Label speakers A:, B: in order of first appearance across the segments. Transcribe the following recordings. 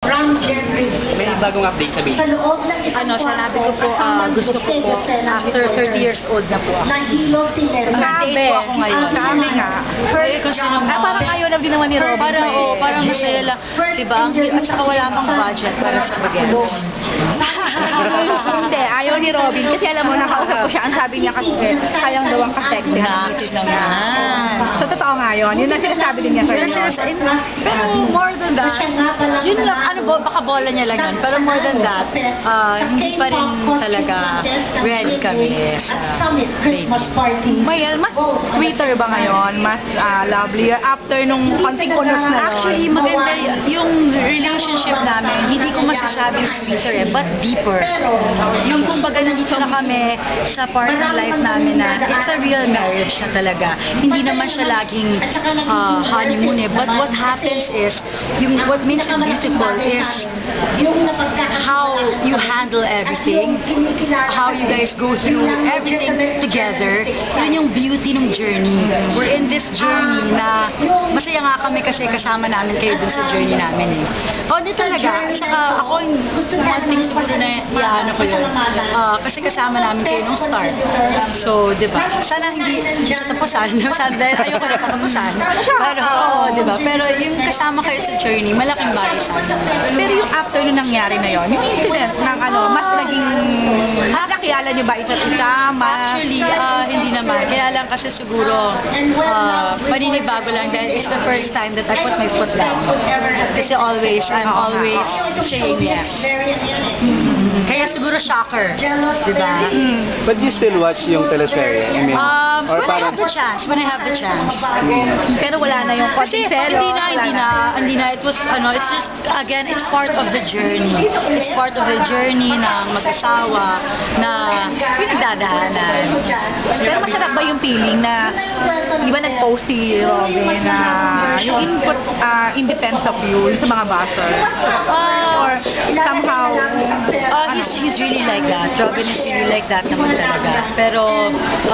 A: May bagong update sa baby.
B: Sinabi ko po, gusto ko po, after 30 years old na po ako.
C: Sabi,
B: po ako ngayon.
C: sabi nga.
B: Kasi naman,
C: Parang ayaw na din naman ni Robin.
B: parang masaya lang. Diba? At saka wala pang budget para sa bagets.
C: Hindi, ayaw ni Robin. Kasi alam mo, nakausap ko siya. Ang sabi niya kasi, sayang daw ang ka-sexy.
B: Nakakit naman.
C: Sa totoo nga yun. Yun ang sinasabi din niya sa'yo.
B: Pero more than that, yun lang, baka bola niya lang yun. Pero more than that, hindi pa rin talaga ready kami sa baby.
C: May, mas sweeter ba ngayon? Mas lovelier? After nung konting unos na yun?
B: Actually, maganda yung relationship namin. Hindi ko masasabing sweeter but deeper. Yung kumbaga nandito na kami sa part ng life namin na it's a real marriage na talaga. Hindi naman siya laging honeymoon eh. But what happens is, what makes it beautiful is how you handle everything, how you guys go through everything together. Yun yung beauty ng journey. We're in this journey na masaya nga kami kasi kasama namin kayo dun sa journey namin eh. Di talaga. Saka ako, one thing siguro na iano ko yun. Kasi kasama namin kayo nung start. So, di ba? Sana hindi sa tapusan. Sana dahil ayoko na patapusan. Pero, di ba? Pero yung kasama kayo sa journey, malaking bagay sa amin.
C: Pero yung after nung nangyari na yun, yung incident ng mas naging, nakilala niyo ba isa't isa?
B: Actually, hindi naman. Kaya lang kasi siguro, paninibago lang dahil it's the first time that I put my foot down. Kasi I'm always saying yes. Kaya siguro shocker. Diba?
A: But you still watch yung teleserye? I mean, or
B: When I have the chance.
C: Pero wala na yung
B: Kasi
C: konting selo.
B: hindi na. It was, it's just, again, it's part of the journey. It's part of the journey ng mag-asawa na pinagdadaanan.
C: Pero masarap ba yung feeling na, di ba nag-post si Robin na yung input in defense of you, yung sa mga bashers? Or somehow,
B: He's really like that. Robin is really like that naman talaga. Pero,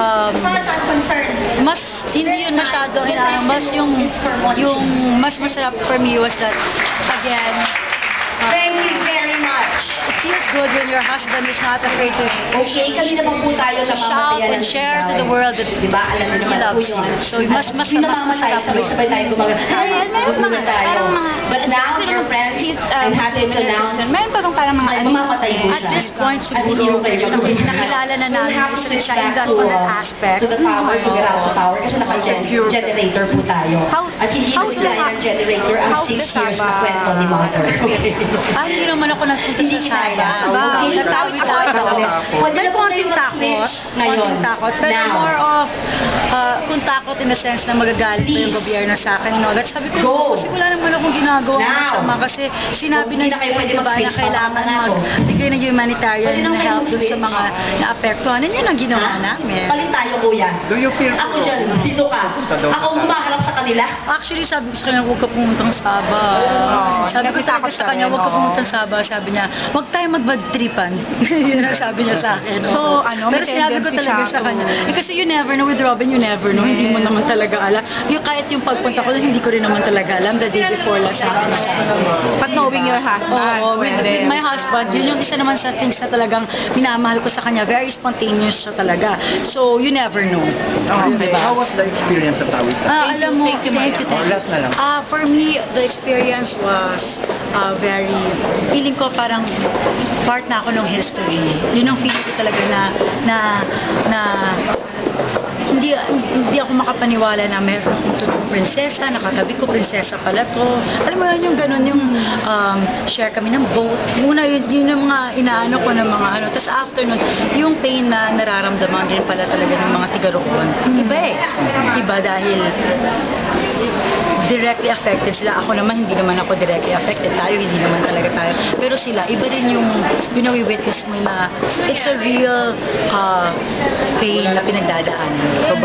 B: mas, hindi yun masyado, mas yung mas masarap for me was that, again,
D: Thank you very much.
B: it feels good when your husband is not afraid to
D: Okay, kanina pa po tayo
B: to shout and share to the world that
D: Diba? Alam
B: he
D: naman
B: loves
D: po
B: you.
D: yun.
B: So, mas
D: Yung namamatay,
B: masarap yun.
D: sabay-sabay tayo gumagana.
B: Ayan, meron mga, parang mga,
D: But now, your friend, I'm happy to announce,
B: meron pa bang parang mga,
D: mamatay po siya.
B: at this point,
D: At hindi
B: siguro,
D: mo kayo magpapalala.
B: nakilala na namin
D: We'll have to
B: isa
D: switch
B: siya in
D: back
B: that,
D: to,
B: on that aspect.
D: to the power, to get out the power, kasi naka-generator po tayo. At hindi
C: how
D: mo kaya ng generator ang
C: how
D: 6
C: the
D: years na
C: Saba-
D: kwento ni Mother. Okay.
B: Hindi naman ako nagpunta
D: Hindi
B: sa
D: kinaya.
B: Saba.
D: Okay,
B: Natawi-tawi ako.
D: Pwede
B: May
D: na po
B: konting
D: kayo
B: takot.
D: mag-switch ngayon.
B: Konting takot. Pero
D: Now.
B: more of, kung takot in the sense na magagalit pa yung gobyerno sa akin. That sabi ko,
D: Go.
B: kasi wala naman akong ginagawa
D: Now.
B: masama. Kasi sinabi
D: Hindi na
B: na
D: kayo pwede
B: diba, na
D: mag-switch,
B: kailangan
D: papakita na ako.
B: magbigay ng humanitarian
D: Pwede na
B: na
D: kayo
B: help dun sa
D: mag-switch.
B: mga naapektuhan. Yun ang ginawa namin.
D: Palit tayo, kuya.
A: do you feel
D: Ako dyan, dito ka.
A: daw sa
D: Ako ang humaharap sa kanila.
B: Actually, sabi ko sa kanya, huwag ka pumuntang Saba. Sabi ko talaga sa kanya, huwag ka pumuntang Saba. Sabi niya, huwag tayo mag-bad tripan. Yun ang sabi niya sa akin.
C: So,
B: Pero
C: may
B: sinabi ko
C: tendency
B: talaga
C: siya
B: sa
C: to-
B: kanya, kasi you never know with Robin, you never know. Hindi mo naman talaga alam. Kahit yung pagpunta ko, hindi ko rin naman talaga alam. The day before lang sabi niya sa akin.
C: But knowing your husband,
B: Oo, with
C: pwede.
B: my husband, yun yung isa naman sa things na talagang minamahal ko sa kanya. Very spontaneous siya talaga. So, you never know. Diba?
A: How was the experience sa Tawi?
B: Alam mo,
C: thank you,
B: thank you.
A: Or last na lang.
B: For me, the experience was very, feeling ko parang part na ako ng history. Yun ang feeling ko talaga na hindi ako makapaniwala na meron akong totoong prinsesa, nakatabi ko, prinsesa pala to. Alam mo yun, yung ganun, yung share kami ng boat. Muna, yun yung mga inaano ko ng mga ano. Tapos after nun, yung pain na nararamdaman din pala talaga ng mga tiga-roon. Iba eh. Iba dahil directly affected sila. Ako naman, hindi naman ako directly affected. Tayo, hindi naman talaga tayo. Pero sila, iba rin yung witness mo na it's a real pain na pinagdadaanan.